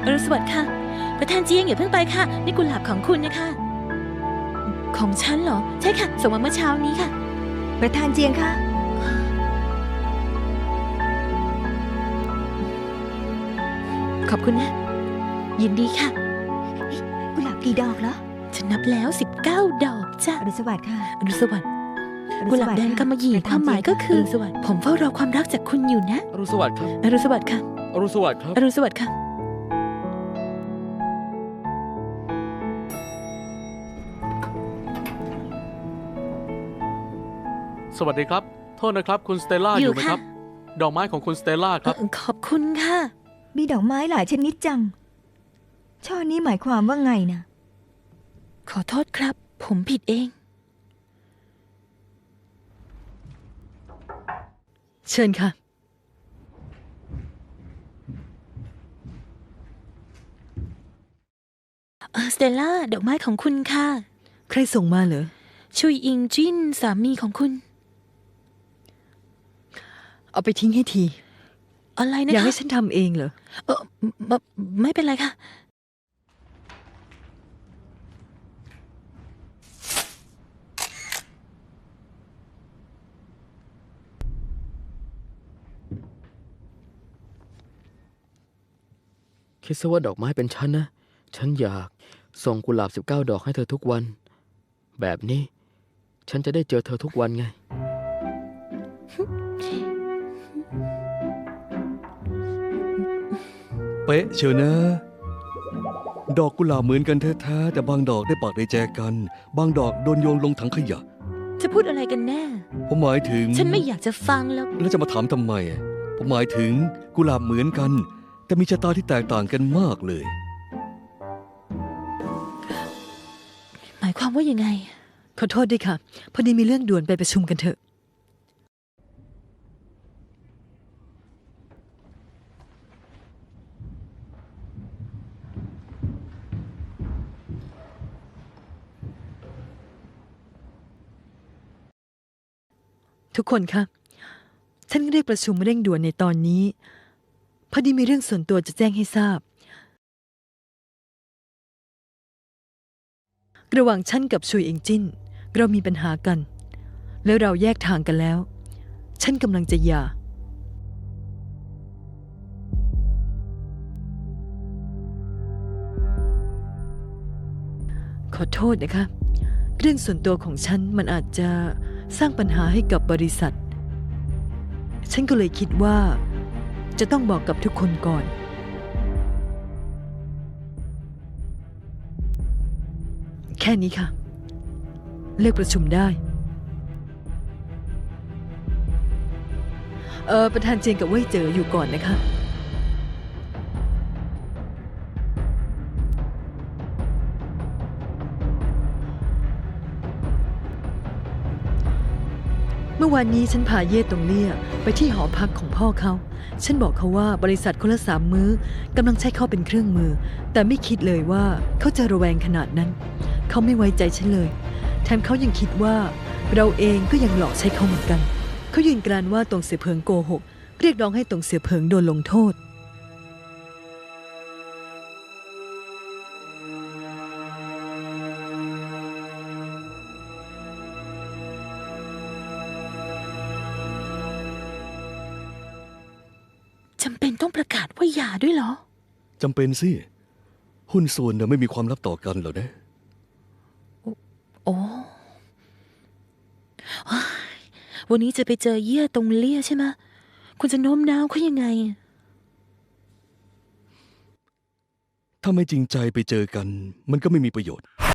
อรุณสวัสดิ์ค่ะประธานเจียงอย่าเพิ่งไปค่ะนี่กุหลาบของคุณนะคะของฉันเหรอใช่ค่ะส่งมาเมื่อเช้านี้ค่ะประธานเจียงค่ะขอบคุณนะยินดีค่ะกุหลาบกี่ดอกเหรอฉันนับแล้ว19 ดอกจ้ะอรุณสวัสดิ์ค่ะอรุณสวัสดิ์กุหลาบแดงกำมะหยี่ความหมายก็คือผมเฝ้ารอความรักจากคุณอยู่นะอรุณสวัสดิ์ครับอรุณสวัสดิ์ค่ะอรุณสวัสดิ์ครับอรุณสวัสดิ์ค่ะสวัสดีครับโทษนะครับคุณสเตลล่าอยู่ไหมครับดอกไม้ของคุณสเตลล่าครับขอบคุณค่ะมีดอกไม้หลายชนิดจังช่อนี้หมายความว่าไงนะขอโทษครับผมผิดเองเชิญค่ะสเตลล่าดอกไม้ของคุณค่ะใครส่งมาเหรอชุยอิงจินสามีของคุณเอาไปทิ้งให้ทีอะไรนะคะอยากให้ฉันทำเองเหรอไม่เป็นไรค่ะคิดซะว่าดอกไม้เป็นฉันนะฉันอยากส่งกุหลาบ19 ดอกให้เธอทุกวันแบบนี้ฉันจะได้เจอเธอทุกวันไงเป๊ะเชียวนะดอกกุหลาบเหมือนกันแท้ๆแต่บางดอกได้ปากได้แจกันบางดอกโดนโยนลงถังขยะจะพูดอะไรกันแน่ผมหมายถึงฉันไม่อยากจะฟังแล้วจะมาถามทำไมผมหมายถึงกุหลาบเหมือนกันแต่มีชะตาที่แตกต่างกันมากเลยหมายความว่ายังไงขอโทษด้วยค่ะพอดีมีเรื่องด่วนไปประชุมกันเถอะทุกคนคะฉันเรียกประชุมเร่งด่วนในตอนนี้พอดีมีเรื่องส่วนตัวจะแจ้งให้ทราบระหว่างฉันกับชุยเอิงจิ้นเรามีปัญหากันแล้วเราแยกทางกันแล้วฉันกำลังจะหย่าขอโทษนะคะเรื่องส่วนตัวของฉันมันอาจจะสร้างปัญหาให้กับบริษัทฉันก็เลยคิดว่าจะต้องบอกกับทุกคนก่อนแค่นี้ค่ะเลิกประชุมได้ประธานเจียงกับเว่ยเจ๋ออยู่ก่อนนะคะเมื่อวานนี้ฉันพาเย่ตงเลี่ยไปที่หอพักของพ่อเขาฉันบอกเขาว่าบริษัทคนละ3 มื้อกำลังใช้เขาเป็นเครื่องมือแต่ไม่คิดเลยว่าเขาจะระแวงขนาดนั้นเขาไม่ไว้ใจฉันเลยแถมเขายังคิดว่าเราเองก็ยังหลอกใช้เขาเหมือนกันเขายืนกรานว่าตงเสี่ยเผิงโกหกเรียกร้องให้ตงเสี่ยเผิงโดนลงโทษจำเป็นต้องประกาศว่าหย่าด้วยเหรอจำเป็นสิหุ้นส่วนไม่มีความลับต่อกันหรอนะโอ้วันนี้จะไปเจอเย่ตงเลี่ยใช่ไหมคุณจะโน้มน้าวเขายังไงถ้าไม่จริงใจไปเจอกันมันก็ไม่มีประโยชน์